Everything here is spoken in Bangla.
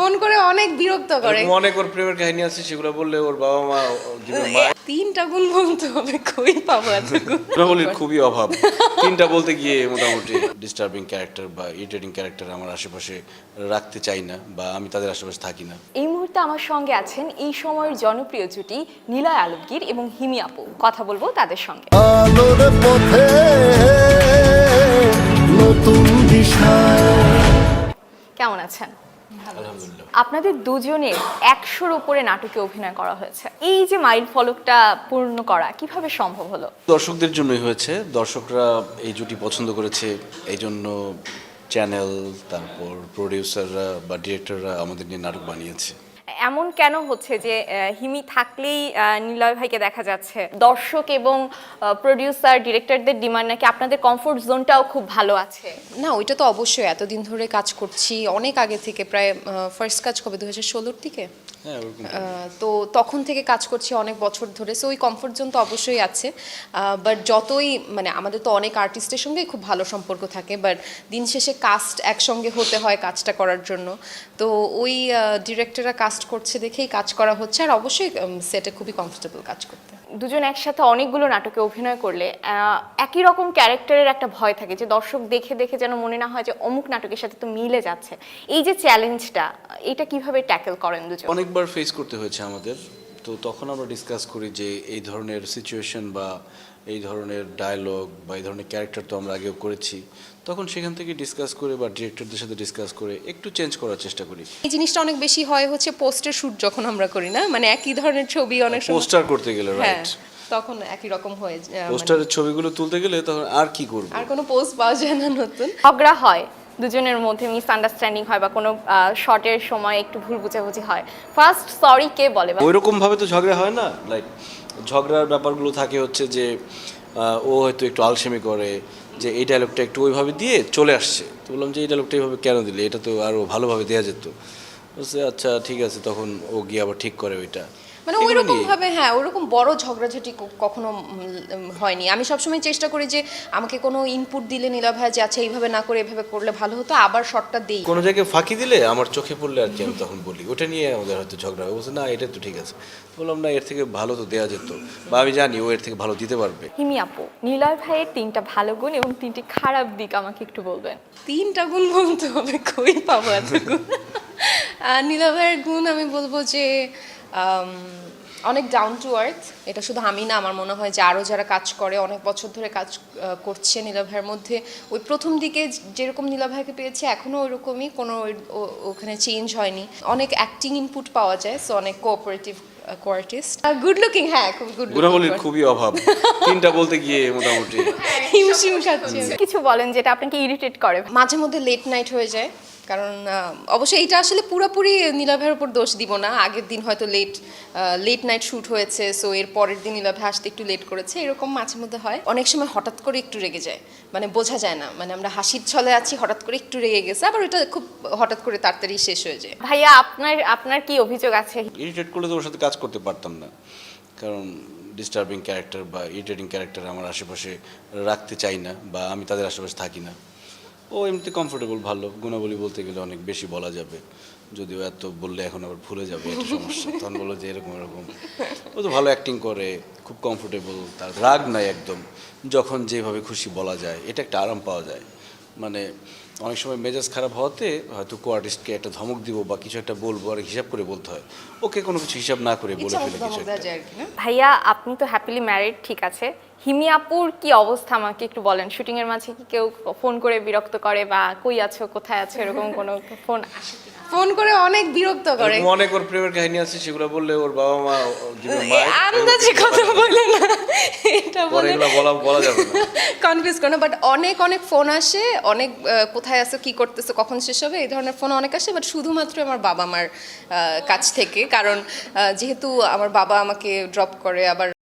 ফোন করে অনেক বিরক্ত করে। অনেক ওর প্রেমের কাহিনী আছে, সেগুলো বললে ওর বাবা মা মা 3টা গুণ বলতে হবে, কই পাবো এত গুণ? গুণাবলীর খুবই অভাব। 3টা বলতে গিয়ে মোটামুটি ডিস্টার্বিং ক্যারেক্টার বা ইরিটেটিং ক্যারেক্টার আমার আশেপাশে রাখতে চাই না, বা আমি তাদের আশেপাশে থাকি না। এই মুহূর্তে আমার সঙ্গে আছেন এই সময়ের জনপ্রিয় জুটি নিলয় আলমগীর এবং হিমি আপু। কথা বলবো তাদের সঙ্গে। আলোর পথে নতুন দিশা। কেমন আছেন? আলহামদুলিল্লাহ। আপনাদের দুজনের 100-র উপরে নাটকে অভিনয় করা হয়েছে। এই যে মাইল ফলকটা পূর্ণ করা কিভাবে সম্ভব হলো? দর্শকদের জন্যই হয়েছে, দর্শকরা এই জুটি পছন্দ করেছে, এই জন্য চ্যানেল, তারপর প্রোডিউসাররা বা ডিরেক্টররা আমাদের নিয়ে নাটক বানিয়েছে। এমন কেন হচ্ছে যে হিমি থাকলেই নিলয় ভাইকে দেখা যাচ্ছে? দর্শক এবং প্রোডিউসার ডিরেক্টরদের ডিমান্ড নাকি আপনাদের কমফোর্ট জোনটাও খুব ভালো আছে? না, ওইটা তো অবশ্যই, এতদিন ধরে কাজ করছি, অনেক আগে থেকে, প্রায় ফার্স্ট কাজ কবে 2016-র দিকে। হ্যাঁ, ওরকম। তো তখন থেকে কাজ করছি অনেক বছর ধরে, সো ওই কমফোর্ট জোন তো অবশ্যই আছে। বাট যতই মানে আমাদের তো অনেক আর্টিস্টের সঙ্গেই খুব ভালো সম্পর্ক থাকে, বাট দিন শেষে কাস্ট একসঙ্গে হতে হয় কাজটা করার জন্য। তো ওই ডিরেক্টররা কাস্ট করছে দেখেই কাজ করা হচ্ছে, আর অবশ্যই সেটে খুবই কমফোর্টেবল কাজ করতে। দুজন একসাথে অনেকগুলো নাটকে অভিনয় করলে একই রকম ক্যারেক্টারের একটা ভয় থাকে যে দর্শক দেখে দেখে যেন মনে না হয় যে অমুক নাটকের সাথে তো মিলে যাচ্ছে। এই যে চ্যালেঞ্জটা, এটা কিভাবে ট্যাকেল করেন দুজন? অনেকবার ফেস করতে হয়েছে আমাদের, তো তখন আমরা ডিসকাস করি যে এই ধরনের সিচুয়েশন বা এই ধরনের ডায়লগ বা এই ধরনের ক্যারেক্টার তো আমরা আগেও করেছি, তখন সেখান থেকে ডিসকাস করে বা ডিরেক্টরদের সাথে ডিসকাস করে একটু চেঞ্জ করার চেষ্টা করি। এই জিনিসটা অনেক বেশি হয় হচ্ছে পোস্টার শুট যখন আমরা করি না, মানে একই ধরনের ছবি অনেক সময় পোস্টার করতে গেলে, হ্যাঁ, রাইট, তখন একই রকম হয়ে যায়, পোস্টারের ছবিগুলো তুলতে গেলে তখন আর কি করব, আর কোনো পোস্ট পাওয়া যায় না নতুন। ঝগড়া হয় দুজনের মধ্যে, মিসআন্ডারস্ট্যান্ডিং হয় বা কোনো শর্টের সময় একটু ভুল বুঝাবুঝি হয়, ফার্স্ট সরি কে বলে? ওইরকম ভাবে তো ঝগড়া হয় না। লাইক ঝগড়ার ব্যাপারগুলো থাকে হচ্ছে যে ও হয়তো একটু আলসেমি করে যে এই ডায়লগটা একটু ওইভাবে দিয়ে চলে আসছে, তো বললাম যে এই ডায়লগটা এইভাবে কেন দিলে, এটা তো আরও ভালোভাবে দেওয়া যেত। বলছে আচ্ছা ঠিক আছে, তখন ও গিয়ে আবার ঠিক করে ওইটা। মানে ওইরকম ভাবে, হ্যাঁ, ওইরকম বড় ঝগড়াঝাটি কখনো হয়নি। আমি সবসময় চেষ্টা করি যে আমাকে কোনো ইনপুট দিলে নীলা ভাই যে আচ্ছা এইভাবে না করে এভাবে করলে ভালো হতো, আবার শর্টটা দেই। কোনো জায়গায় ফাঁকি দিলে আমার চোখে পড়লে আর কি আমি তখন বলি, ওটা নিয়ে আমাদের হয়তো ঝগড়া হয়। বলছে না এটা তো ঠিক আছে, বললাম না এর থেকে ভালো তো দেওয়া যেত, বা আমি জানি ও এর থেকে ভালো দিতে পারবে। হিমি আপু, নিলয় ভাইয়ের 3টা ভালো গুণ এবং 3টি খারাপ দিক আমাকে একটু বলবেন? 3টা গুণ বলতে হবে, কই পাবো এত গুণ? নীলা ভাইয়ের গুণ আমি বলবো যে অনেক ডাউন টু আর্থ। এটা শুধু আমি না, আমার মনে হয় যে আরও যারা কাজ করে, অনেক বছর ধরে কাজ করছে নীলা ভাইয়ের মধ্যে, ওই প্রথম দিকে যেরকম নীলা ভাইকে পেয়েছে এখনও ওইরকমই, কোনো ওখানে চেঞ্জ হয়নি। অনেক অ্যাক্টিং ইনপুট পাওয়া যায়, সো অনেক কোঅপারেটিভ আর্টিস্ট, গুড লুকিং, হ্যাঁ খুব গুড গুণাবলীর খুবই অভাব। 3টা বলতে গিয়ে মোটামুটি হিমশিম খাচ্ছে। কিছু বলেন যেটা আপনাকে ইরিটেট করে? মাঝে মধ্যে লেট নাইট হয়ে যায়, কারণ অবশ্যই এটা আসলে পুরোপুরি নীলা ভাইয়ের উপর দোষ দিব না। আগের দিন হয়তো লেট নাইট শ্যুট হয়েছে, সো এর পরের দিন নীলা ভাই আসতে একটু লেট করেছে, এরকম মাঝে মধ্যে হয়। অনেক সময় হঠাৎ করে একটু রেগে যায়, মানে বোঝা যায় না, মানে আমরা হাসির ছলে আছি, হঠাৎ করে একটু রেগে গেছে, আবার এটা খুব হঠাৎ করে তাড়াতাড়ি শেষ হয়ে যায়। ভাইয়া, আপনার কি অভিযোগ আছে? ইরিটেট করলে তো ওর সাথে কাজ করতে পারতাম না, কারণ ডিস্টার্বিং ক্যারেক্টার বা ইরিটেটিং ক্যারেক্টার আমার আশেপাশে রাখতে চাই না, বা আমি তাদের আশেপাশে থাকি না। ও এমনিতে কমফোর্টেবল, ভালো। গুণাবলী বলতে গেলে অনেক বেশি বলা যাবে, যদিও এত বললে এখন আবার ভুলে যাবে, এটা সমস্যা। তখন বলো যে এরকম এরকম। ও তো ভালো অ্যাক্টিং করে, খুব কমফোর্টেবল, তার রাগ নাই একদম, যখন যেভাবে খুশি বলা যায়, এটা একটা আরাম পাওয়া যায়। মানে অনেক সময় মেজাজ খারাপ হওয়াতে হয়তো কো আর্টিস্টকে একটা ধমক দিব বা কিছু একটা বলবো, আর হিসাব করে বলতে হয়, ওকে কোনো কিছু হিসাব না করে বলে ফেলে কিছু একটা। ভাইয়া, আপনি তো হ্যাপিলি ম্যারিড, ঠিক আছে, হিমি আপুর কি অবস্থা আমাকে একটু বলেন? শুটিং এর মাঝে কি কেউ ফোন করে বিরক্ত করে বা কই আছো কোথায় আছো এরকম কোনো ফোন আসে কি? ফোন করে অনেক বিরক্ত করে, অনেক ওর প্রেমের কাহিনী আছে, সেগুলো বললে ওর বাবা মা আন্দাজে কথা বলে না, এটা বলে বলা যাবে না, কনফিউজ করে না। বাট অনেক অনেক ফোন আসে, অনেক কোথায় আছো, কি করতেছো, কখন শেষ হবে, এই ধরনের ফোন অনেক আসে, বাট শুধুমাত্র আমার বাবা মার কাছ থেকে, কারণ যেহেতু আমার বাবা আমাকে ড্রপ করে, আবার